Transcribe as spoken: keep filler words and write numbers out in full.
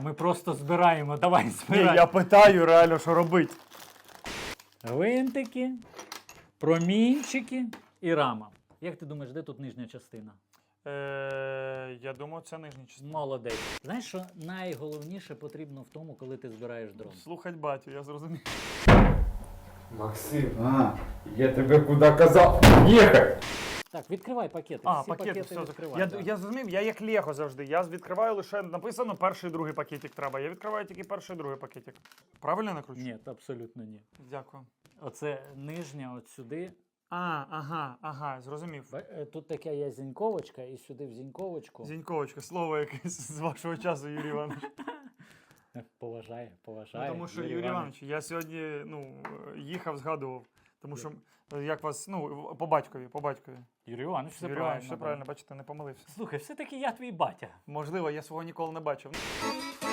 Ми просто збираємо, давай Ні, збираємо. я питаю реально, що робити. Гвинтики, промінчики і рама. Як ти думаєш, де тут нижня частина? Е, я думаю, це нижня частина. Молодець. Знаєш, що найголовніше потрібно в тому, коли ти збираєш дрон? Слухать батю, я зрозумів. Максим, а, я тебе куди казав? Їхай! Так, відкривай пакети. А, Всі пакети, пакети все. відкривай. Я, да. я зрозумів, я як Лего завжди. Я відкриваю лише, написано, перший і другий пакетик треба. Я відкриваю тільки перший і другий пакетик. Правильно накручу? Ні, абсолютно ні. Дякую. Оце нижня от сюди. А, ага, ага, зрозумів. Ба- е, Тут така є зіньковочка, і сюди в зіньковочку. Зіньковочка, слово якесь з вашого часу, Юрій Іванович. Поважає, Ну, поважає. тому що, Юрій Іванович, я сьогодні ну, їхав, згадував. Тому що, як вас, ну, по батькові, по батькові. Юрій Іванович, все Юрій правильно. Іванович, все да. правильно, бачите, не помилився. Слухай, все-таки я твій батя. Можливо, я свого ніколи не бачив.